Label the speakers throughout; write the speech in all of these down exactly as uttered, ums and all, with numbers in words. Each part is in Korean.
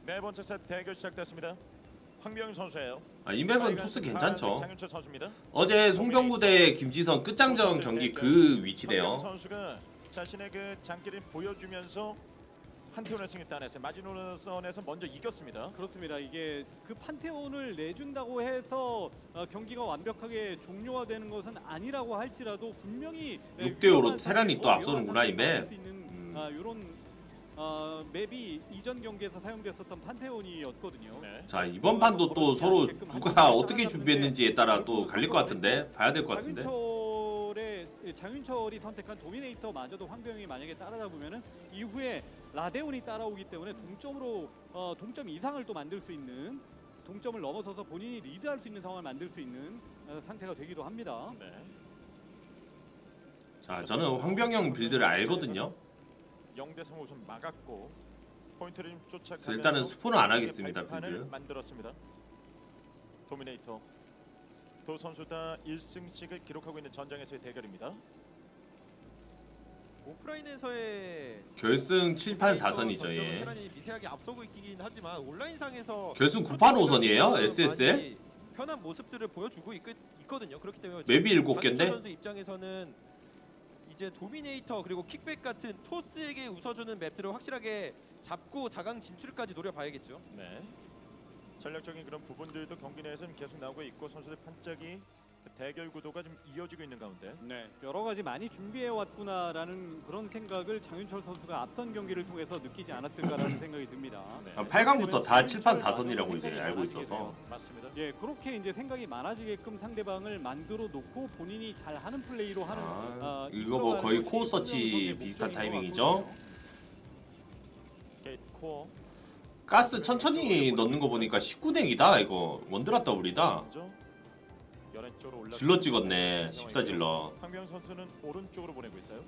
Speaker 1: 네 번째 세트 대결 시작됐습니다. 황병윤 선수예요.
Speaker 2: 아, 이 맵은 토스 괜찮죠.
Speaker 1: 장윤철 선수입니다.
Speaker 2: 어제 송병구 대 김지성 끝장전 경기 그 위치네요.
Speaker 1: 황병윤 선수가 자신의 그 장기를 보여주면서 판테온의 승리 따냈어요. 마지노선에서 먼저 이겼습니다.
Speaker 3: 그렇습니다. 이게 그 판테온을 내준다고 해서 어, 경기가 완벽하게 종료가 되는 것은 아니라고 할지라도 분명히
Speaker 2: 육 대 오로 테란이 또 앞서는구나, 이 맵.
Speaker 3: 음. 아, 이런 어, 맵이 이전 경기에서 사용됐었던 판테온이었거든요.
Speaker 1: 네.
Speaker 2: 자, 이번 판도 또 서로 누가 어떻게 준비했는지에 따라 또 갈릴 것 같은데 봐야 될 것 같은데.
Speaker 3: 장윤철의 장윤철이 선택한 도미네이터마저도 황병이 만약에 따라잡으면은 이후에 라데온이 따라오기 때문에 동점으로 어, 동점 이상을 또 만들 수 있는, 동점을 넘어서서 본인이 리드할 수 있는 상황을 만들 수 있는 어, 상태가 되기도 합니다.
Speaker 1: 네.
Speaker 2: 자, 저는 황병영 빌드를 알거든요.
Speaker 1: 영 대 삼 우선 막았고 포인트를 좀 쫓아가면서
Speaker 2: 일단은 스포는 안 하겠습니다, 빌드.
Speaker 1: 만들었습니다. 도미네이터 두 선수 다 일 승씩을 기록하고 있는 전장에서의 대결입니다.
Speaker 4: 오프라인에서의
Speaker 2: 결승 칠 판 사 선이죠.
Speaker 4: 전적은
Speaker 2: 예.
Speaker 4: 테란이 미세하게 앞서고 있긴 하지만 온라인상에서
Speaker 2: 결승 구 판 오 선이에요? 에스에스엘?
Speaker 4: 많이 편한 모습들을 보여주고 있, 있거든요. 그렇기 때문에
Speaker 2: 맵이 일곱
Speaker 4: 장윤철
Speaker 2: 개인데?
Speaker 4: 선수 입장에서는 이제 도미네이터 그리고 킥백 같은 토스에게 웃어주는 맵들을 확실하게 잡고 사 강 진출까지 노려봐야겠죠.
Speaker 1: 네. 전략적인 그런 부분들도 경기 내에서는 계속 나오고 있고 선수들 판짝이 대결 구도가 좀 이어지고 있는 가운데
Speaker 3: 네, 여러 가지 많이 준비해 왔구나라는 그런 생각을 장윤철 선수가 앞선 경기를 통해서 느끼지 않았을까라는 생각이 듭니다.
Speaker 1: 네.
Speaker 2: 아, 팔 강부터 다 칠 판 사 선이라고 이제 알고 있어서.
Speaker 1: 맞습니다.
Speaker 3: 예, 그렇게 이제 생각이 많아지게끔 상대방을 만들어 놓고 본인이 잘 하는 플레이로 하는.
Speaker 2: 아,
Speaker 3: 어,
Speaker 2: 이거 뭐 거의
Speaker 3: 이끌어가는
Speaker 2: 코어
Speaker 3: 것이
Speaker 2: 서치
Speaker 3: 황병영
Speaker 2: 비슷한
Speaker 3: 선수의
Speaker 2: 타이밍이죠.
Speaker 3: 목적인 것
Speaker 1: 게이트 코어
Speaker 2: 가스 천천히 넣는 거 보니까 십구 넥이다 이거. 원드랍 더블이다.
Speaker 1: 먼저 열한 쪽으로 올라
Speaker 2: 질러 찍었네. 십사 질러.
Speaker 1: 황병 선수는 오른쪽으로 보내고 있어요.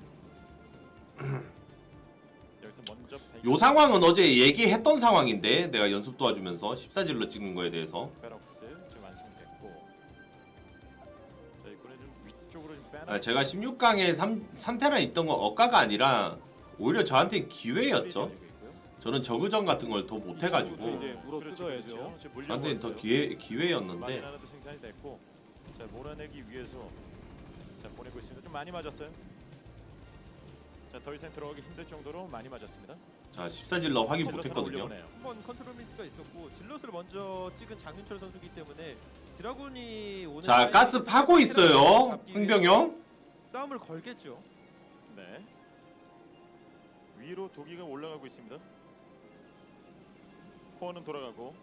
Speaker 1: 여기서 먼저
Speaker 2: 요 상황은 어제 얘기했던 상황인데 내가 연습 도와주면서 십사 질러 찍는 거에 대해서.
Speaker 1: 베럭스 지금 완성됐고 자 이번에 좀 위쪽으로 좀 빼나.
Speaker 2: 아, 제가 십육 강에 삼, 삼 테란 있던 건 억가가 아니라 오히려 저한테는 기회였죠. 저는 저그전 같은 걸 더 못해가지고
Speaker 3: 이제 물어 뜯어야죠.
Speaker 2: 저한테는 더 기회,
Speaker 1: 많이
Speaker 2: 기회였는데.
Speaker 1: 나라도 생산이 됐고 자 몰아내기 위해서 자 보내고 있습니다. 좀 많이 맞았어요. 자 더 이상 들어가기 힘들 정도로 많이 맞았습니다.
Speaker 2: 자 십사 질러 확인
Speaker 1: 질럿으로
Speaker 2: 못했거든요.
Speaker 1: 올려보내요.
Speaker 4: 한번 컨트롤 미스가 있었고 질럿을 먼저 찍은 장윤철 선수기 때문에 드라군이 오늘
Speaker 2: 자 가스 파고 있어요 황병영.
Speaker 4: 싸움을 걸겠죠.
Speaker 1: 네. 위로 도기가 올라가고 있습니다. 코어는 돌아가고.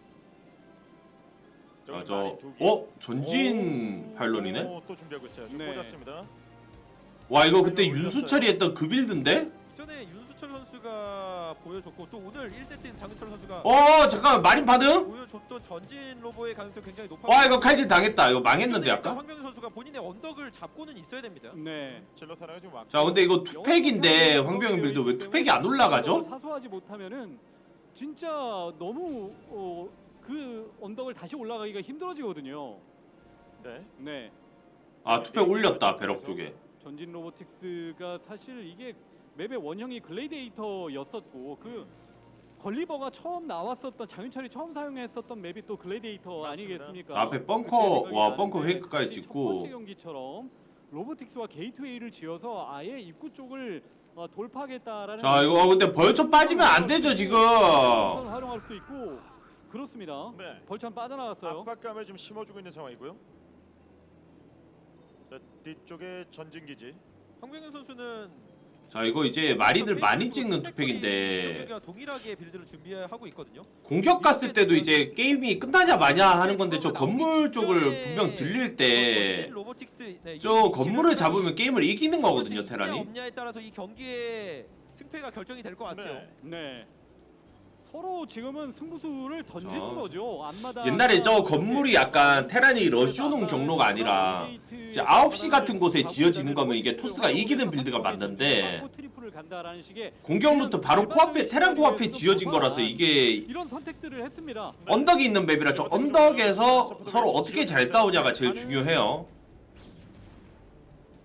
Speaker 2: 아, 저 어? 전진
Speaker 1: 오,
Speaker 2: 파일런이네?
Speaker 1: 또 준비하고 있어요. 지금
Speaker 3: 네.
Speaker 1: 꽂았습니다.
Speaker 2: 와 이거 그때 윤수철이 했던 그 빌드인데?
Speaker 4: 전에 윤수철 선수가 보여줬고 또 오늘 일 세트에서 장윤철 선수가
Speaker 2: 어 잠깐만 마린 파등?
Speaker 4: 보여줬던 전진 로보의 가능성이 굉장히 높아.
Speaker 2: 와 이거 칼질 당했다. 이거 망했는데 아까?
Speaker 4: 황병준 선수가 본인의 언덕을 잡고는 있어야 됩니다.
Speaker 3: 네.
Speaker 1: 질럿 하나가 지금 왔고.
Speaker 2: 자 근데 이거 투팩인데 황병영 빌드 왜 투팩이 안 올라가죠?
Speaker 3: 사소하지 못하면은 진짜 너무 어, 그 언덕을 다시 올라가기가 힘들어지거든요.
Speaker 1: 네.
Speaker 3: 네.
Speaker 2: 아 투팩 올렸다 배럭 쪽에.
Speaker 3: 전진 로보틱스가 사실 이게 맵의 원형이 글래디에이터였었고 그 걸리버가 처음 나왔었던 장윤철이 처음 사용했었던 맵이 또 글래디에이터
Speaker 1: 맞습니다.
Speaker 3: 아니겠습니까?
Speaker 2: 앞에 벙커
Speaker 3: 그때
Speaker 2: 와
Speaker 3: 생각이
Speaker 2: 벙커
Speaker 3: 나는데
Speaker 2: 페이크까지
Speaker 3: 첫
Speaker 2: 찍고.
Speaker 3: 번째 경기처럼 로보틱스와 게이트웨이를 지어서 아예 입구 쪽을 어, 돌파하겠다라는.
Speaker 2: 자 이거 어, 근데 벌쳐 빠지면 안 되죠 지금.
Speaker 3: 활용할 수도 있고 그렇습니다.
Speaker 1: 네.
Speaker 3: 벌참 빠져나갔어요.
Speaker 1: 압박감을 좀 심어주고 있는 상황이고요. 자 뒤쪽에 전진 기지.
Speaker 4: 황병준 선수는
Speaker 2: 자 이거 이제 마린들 많이 찍는 투팩인데
Speaker 4: 경기가 동일하게 빌드를 준비하고 있거든요.
Speaker 2: 공격 갔을 때도 이제 게임이 끝나냐 마냐 하는 건데 저 건물 쪽을 분명 들릴 때 저 건물을 잡으면 게임을 이기는 거거든요 테란이.
Speaker 4: 없냐에 따라서 이 경기의 승패가 결정이 될 것 같아요.
Speaker 1: 네.
Speaker 3: 네. 서로 지금은 승부수를 던지는
Speaker 2: 저-
Speaker 3: 거죠. 앞마다
Speaker 2: 옛날에 저 건물이 약간 테란이 러쉬오는 경로가 아니라 이제 아홉 시 같은 곳에 지어지는 거면 이게 토스가 이기는 빌드가 맞는데
Speaker 3: 트리플을 간다라는 식의
Speaker 2: 공격 루트 바로 코앞에 테란 코앞에 지어진 거라서 이게
Speaker 3: 이런 선택들을 했습니다.
Speaker 2: 언덕이 있는 맵이라 저 언덕에서 서로 어떻게 잘 싸우냐가 제일 중요해요.
Speaker 1: 다시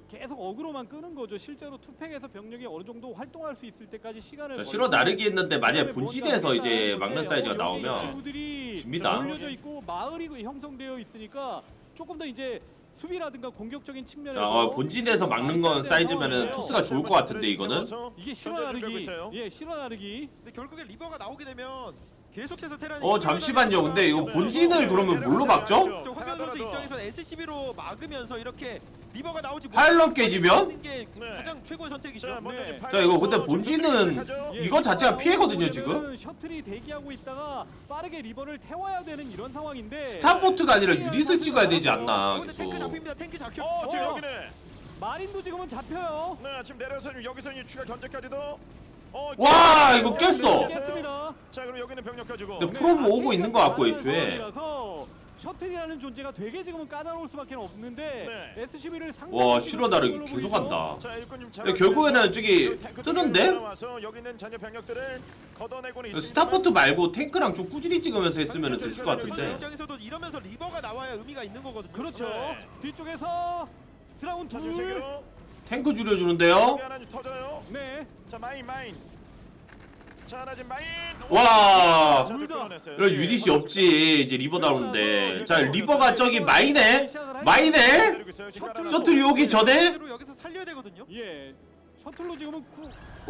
Speaker 3: 계속 어그로만 끄는 거죠. 실제로 투팩에서 병력이 어느 정도 활동할 수 있을 때까지 시간을
Speaker 2: 자,
Speaker 3: 걸고
Speaker 2: 실어 나르기 했는데 만약에
Speaker 3: 그다음에
Speaker 2: 본진에서
Speaker 3: 뭔가
Speaker 2: 이제
Speaker 3: 하겠다는
Speaker 2: 막는
Speaker 3: 건데,
Speaker 2: 사이즈가
Speaker 3: 어, 여기
Speaker 2: 나오면
Speaker 3: 친구들이
Speaker 2: 집니다.
Speaker 3: 올려져 있고 마을이 형성되어 있으니까 조금 더 이제 수비라든가 공격적인 측면에서
Speaker 2: 자, 어, 본진에서 막는 건 사이즈면은 토스가 좋을 것 같은데 이거는
Speaker 3: 이게 실어
Speaker 1: 현재 준비하고
Speaker 3: 나르기
Speaker 1: 있어요.
Speaker 3: 예 실어 나르기
Speaker 4: 근데 결국에 리버가 나오게 되면 계속해서 테란이
Speaker 2: 어 잠시만요. 근데 이거 본진을 그러면 뭘로 막죠?
Speaker 4: 저 황현 선수 입장에서 에스씨비로 막으면서 이렇게 리버가 나오지
Speaker 2: 파일럿
Speaker 4: 못하는
Speaker 2: 깨지면?
Speaker 4: 게
Speaker 1: 네.
Speaker 4: 가장 최고의 선택이죠.
Speaker 1: 자, 먼저
Speaker 3: 네.
Speaker 1: 이제
Speaker 2: 자, 이거 근데 본진은
Speaker 3: 예,
Speaker 2: 이거 자체가
Speaker 3: 리버가
Speaker 2: 피해거든요,
Speaker 3: 나오려면
Speaker 2: 지금.
Speaker 3: 셔틀이 대기하고 있다가 빠르게 리버를 태워야 되는 이런 상황인데
Speaker 2: 스타포트가 아니라 유닛을 찍어야 되지 않나
Speaker 4: 근데 탱크
Speaker 2: 계속.
Speaker 4: 잡힙니다. 탱크 잡혀.
Speaker 1: 어, 지금
Speaker 3: 어.
Speaker 1: 여기네.
Speaker 3: 마린도 지금은 잡혀요.
Speaker 1: 네, 지금 내려서 여기서 이 추가 견제까지도. 어,
Speaker 2: 와,
Speaker 1: 자,
Speaker 2: 이거
Speaker 1: 어,
Speaker 2: 깼어.
Speaker 3: 깼습니다.
Speaker 1: 자, 그럼 여기는 병력 가지고.
Speaker 2: 근데 프로브 오고 있는 것 같고 애초에.
Speaker 3: 라서 셔틀이라는 존재가 되게 지금은 까다로울 수밖에 없는데
Speaker 1: 네.
Speaker 3: 에스씨비를
Speaker 2: 와, 실어 나르기 계속 한다.
Speaker 1: 자, 일꾼 좀
Speaker 2: 근데 결국에는 저기 뜨는데?
Speaker 1: 와서 여기 있는 잔여 병력들을 걷어내고는 있습니다.
Speaker 2: 스타포트 말고 탱크랑 좀 꾸준히 찍으면서 했으면 됐을 것
Speaker 4: 선수
Speaker 2: 같은데.
Speaker 4: 입장에서도 이러면서 리버가 나와야 의미가 있는 거거든요.
Speaker 3: 그렇죠.
Speaker 1: 네.
Speaker 3: 뒤쪽에서 드라군
Speaker 1: 자,
Speaker 3: 둘.
Speaker 1: 지금 세개로
Speaker 2: 탱크 줄여주는데요.
Speaker 1: 여기 하나 좀 터져요.
Speaker 3: 네.
Speaker 1: 자, 마인 마인. 자, 하나 지금 마인.
Speaker 2: 와.
Speaker 1: 자,
Speaker 3: 둘 다.
Speaker 1: 끊어냈어요.
Speaker 2: 이런
Speaker 1: 예.
Speaker 2: 유닛이 없지. 이제 리버 나오는데. 자, 리버가 저기 마이네? 마이네?
Speaker 1: 때리고 있어요. 지금 깔아놨고.
Speaker 2: 셔틀이 오기 전에?
Speaker 4: 대로 여기서 살려야 되거든요.
Speaker 3: 예. 셔틀로 지금은 구.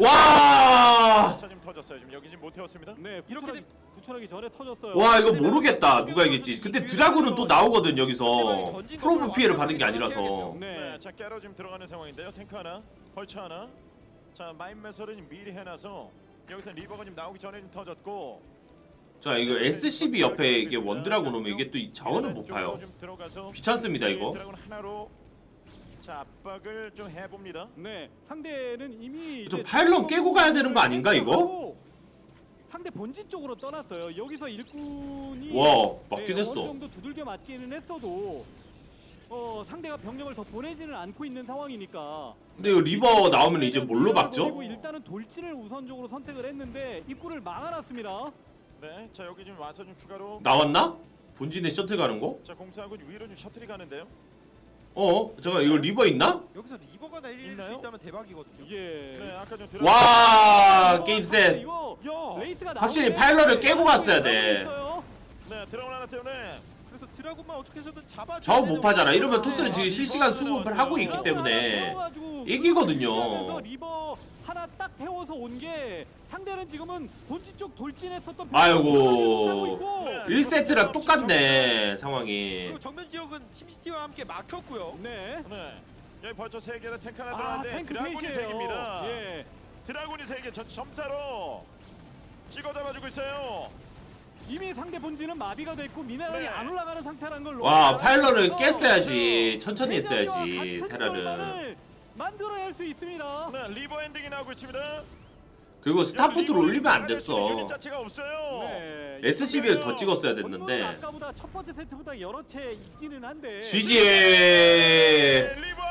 Speaker 2: 와.
Speaker 1: 자, 지금 터졌어요. 지금 여기 지금 못 태웠습니다.
Speaker 3: 네.
Speaker 4: 이렇게
Speaker 3: 구출하기, 구출하기 전에 터졌어요.
Speaker 2: 와, 이거 모르겠다. 누가 이길지. 근데 드라군은 또 나오거든, 여기서. 프로브 피해를 받은 게 아니라서.
Speaker 1: 네.
Speaker 3: 네.
Speaker 1: 자, 깨러 지금 들어가는 상황인데요. 탱크 하나, 벌처 하나. 자, 마인 매설은 미리 해놔서 여기서 리버가 지금 나오기 전에 좀 터졌고.
Speaker 2: 자, 이거 에스씨비 옆에 이게 원드라군 오면 이게 또 이 자원을 못
Speaker 1: 쪽으로
Speaker 2: 파요.
Speaker 1: 좀 들어가서
Speaker 2: 귀찮습니다, 이거.
Speaker 1: 드라군 하나로 자, 압박을 좀 해봅니다.
Speaker 3: 네. 상대는 이미
Speaker 2: 좀
Speaker 3: 이제
Speaker 2: 파일럿 깨고 가야 되는 거 아닌가, 이거?
Speaker 3: 하고 상대 본진 쪽으로 떠났어요. 여기서 일꾼이
Speaker 2: 와, 맞긴
Speaker 3: 네,
Speaker 2: 했어.
Speaker 3: 어느 정도 두들겨 맞기는 했어도 어, 상대가 병력을 더 보내지는 않고 있는 상황이니까.
Speaker 2: 근데 이거 리버 나오면 이제 뭘로 막죠?
Speaker 3: 그리고 일단은 돌진을 우선적으로 선택을 했는데 입구를 막아놨습니다.
Speaker 1: 네. 자, 여기 지금 와서 좀 추가로
Speaker 2: 나왔나? 본진에 셔틀 가는 거?
Speaker 1: 자, 공사하고 위로 좀 셔틀이 가는데요.
Speaker 2: 어? 잠깐 이거 리버 있나?
Speaker 4: 여기서 리버가 내릴
Speaker 1: 있나요?
Speaker 4: 수 있다면 대박이거든요.
Speaker 3: 예.
Speaker 1: 네, 아까 좀 들어.
Speaker 2: 와, 게임 셋.
Speaker 3: 이거
Speaker 1: 야.
Speaker 3: 레이스가
Speaker 2: 확실히
Speaker 3: 나오는데
Speaker 2: 파일럿을 깨고 갔어야 돼.
Speaker 3: 있어요.
Speaker 1: 네, 드라군 하나 때문에
Speaker 4: 그래서 드라군만 어떻게 해서든 잡아.
Speaker 2: 저거 못 파잖아. 이러면 토스는 지금 실시간 수급을 하고 있기 때문에 이기거든요.
Speaker 3: 그래서 리버 하나 딱 태워서 온 게 상대는 지금은 본진 쪽 돌진했었던
Speaker 2: 아이고. 일 세트랑 똑같네 상황이.
Speaker 4: 그리고 정면 지역은 심시티와 함께 막혔고요.
Speaker 3: 네.
Speaker 1: 네. 여기 벌써 세 개나 탱크 하나
Speaker 3: 아,
Speaker 1: 들어왔는데
Speaker 3: 탱크
Speaker 1: 드라군이 세
Speaker 3: 셋이에요.
Speaker 1: 개입니다.
Speaker 3: 예.
Speaker 1: 드라군이 세 개, 전 점사로 찍어 잡아주고 있어요.
Speaker 3: 이미 상대 본진은 마비가 됐고 미네랄이
Speaker 1: 네.
Speaker 3: 안 올라가는 상태라는 걸
Speaker 2: 와, 파일럿을
Speaker 3: 그래서
Speaker 2: 깼어야지. 천천히
Speaker 3: 대전이와
Speaker 2: 했어야지
Speaker 3: 같은
Speaker 2: 테라는.
Speaker 3: 결과를 만들어낼 수 있습니다.
Speaker 1: 네, 리버 엔딩이 나오고 있습니다.
Speaker 2: 그리고 스타포트를 올리면 안 됐어.
Speaker 1: 유닛 자체가 없어요.
Speaker 3: 네.
Speaker 2: 에스씨비를 더 찍었어야
Speaker 3: 건물은
Speaker 2: 됐는데.
Speaker 3: 아까보다 첫 번째 세트보다 여러 채 있기는 한데
Speaker 2: 지지.
Speaker 1: 네, 리버